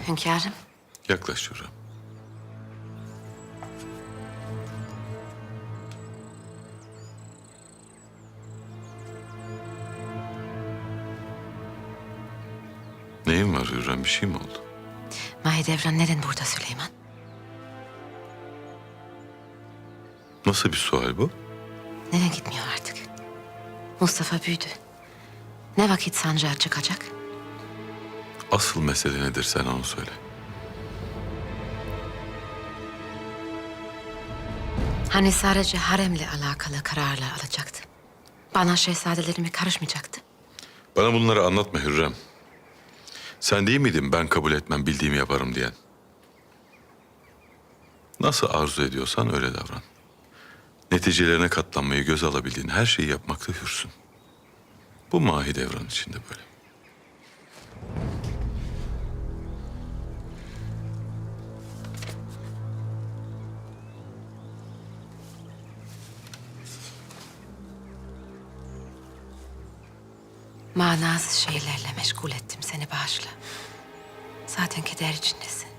Hünkârım. Yaklaş Hürrem. Neyin var Hürrem? Bir şey mi oldu? Mahidevran neden burada Süleyman? Nasıl bir sual bu? Neden gitmiyor artık? Mustafa büyüdü. Ne vakit sancağa çıkacak? Asıl mesele nedir, sen onu söyle. Hani sadece haremle alakalı kararlar alacaktı. Bana şehzadelerime karışmayacaktı. Bana bunları anlatma Hürrem. Sen değil miydin ben kabul etmem, bildiğimi yaparım diyen? Nasıl arzu ediyorsan öyle davran. Neticelerine katlanmayı göze alabildiğin her şeyi yapmakta hürsün. Bu Mahidevran için de böyle. Manasız şeylerle meşgul ettim seni, bağışla. Zaten keder içindesin.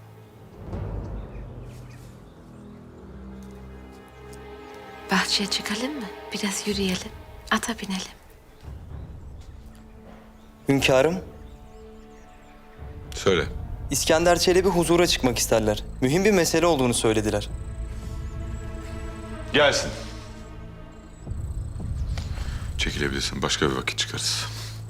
Bahçeye çıkalım mı? Biraz yürüyelim. Ata binelim. Hünkârım, Söyle. İskender Çelebi huzura çıkmak isterler. Mühim bir mesele olduğunu söylediler. Gelsin. Çekilebilirsin. Başka bir vakit çıkarız.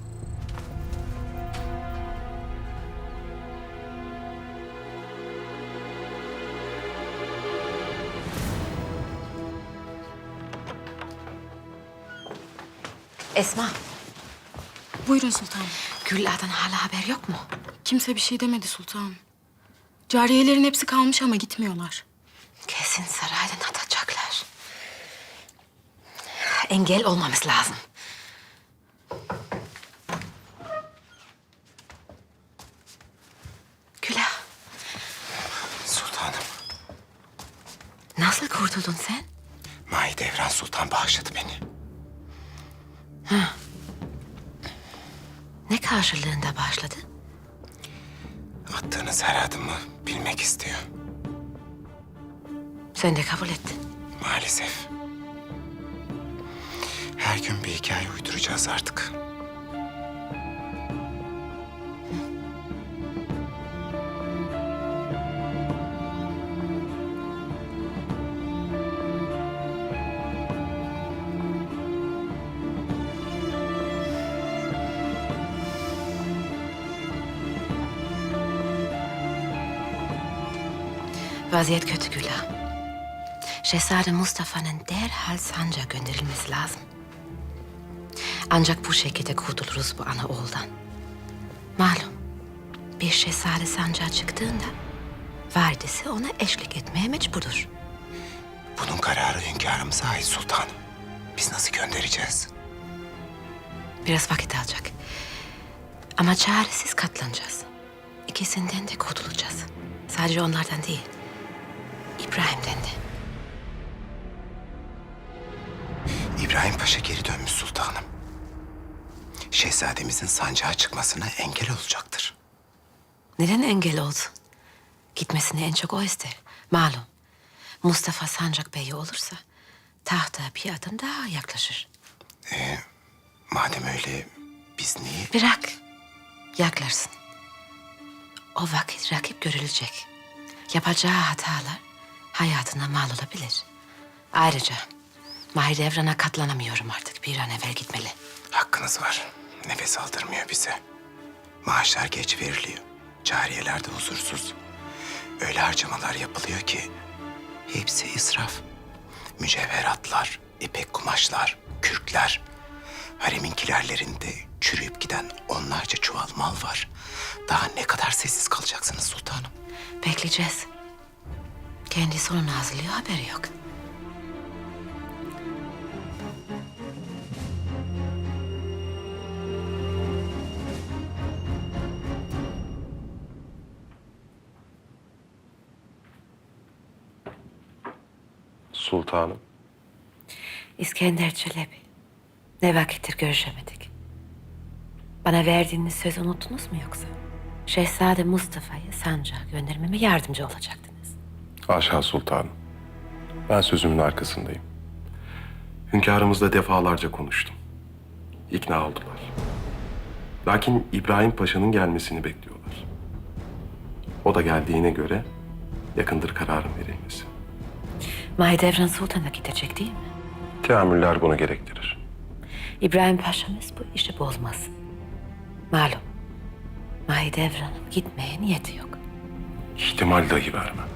Esma, Buyurun sultanım. Gülla'dan hala haber yok mu? Kimse bir şey demedi sultanım. Cariyelerin hepsi kalmış ama gitmiyorlar. Kesin saraydan atacaklar. Engel olmamız lazım. Güla, Sultanım, nasıl kurtuldun sen? Mahidevran Sultan bağışladı beni. Ne karşılığında başladı? Attığınız her adımı bilmek istiyor. Sen de kabul ettin. Maalesef. Her gün bir hikaye uyduracağız artık. Vaziyet kötü Güla. Şehzade Mustafa'nın derhal sancağa gönderilmesi lazım. Ancak bu şekilde kurtuluruz bu ana oğuldan. Malum, bir şehzade sancağa çıktığında validesi ona eşlik etmeye mecburdur. Bunun kararı hünkârımıza ait sultanım. Biz nasıl göndereceğiz? Biraz vakit alacak. Ama çaresiz katlanacağız. İkisinden de kurtulacağız. Sadece onlardan değil, İbrahim'den de. İbrahim Paşa geri dönmüş sultanım. Şehzademizin sancağa çıkmasına engel olacaktır. Neden engel olsun? Gitmesini en çok o ister. Malum, Mustafa Sancak Bey'i olursa tahta bir adım daha yaklaşır. Madem öyle biz niye... Bırak, yaklaşsın. O vakit rakip görülecek. Yapacağı hatalar hayatına mal olabilir. Ayrıca Mahidevran'a katlanamıyorum artık. Bir an evvel gitmeli. Hakkınız var. Nefes aldırmıyor bize. Maaşlar geç veriliyor. Cariyeler de huzursuz. Öyle harcamalar yapılıyor ki hepsi israf. Mücevheratlar, ipek kumaşlar, kürkler. Haremin kilerlerinde çürüyüp giden onlarca çuval mal var. Daha ne kadar sessiz kalacaksınız sultanım? Bekleyeceğiz. Kendisi onu hazırlıyor, haberi yok. Sultanım. İskender Çelebi. Ne vakittir görüşemedik. Bana verdiğiniz sözü unuttunuz mu yoksa? Şehzade Mustafa'yı sancağa göndermeme yardımcı olacaktınız. Haşa sultanım. Ben sözümün arkasındayım. Hünkârımızla defalarca konuştum. İkna oldular. Lakin İbrahim Paşa'nın gelmesini bekliyorlar. O da geldiğine göre yakındır kararın verilmesi. Mahidevran Sultan'a gidecek değil mi? Teamüller bunu gerektirir. İbrahim Paşa'mız bu işi bozmasın. Malum, Mahidevran'ın gitmeye niyeti yok. İhtimal dahi vermem.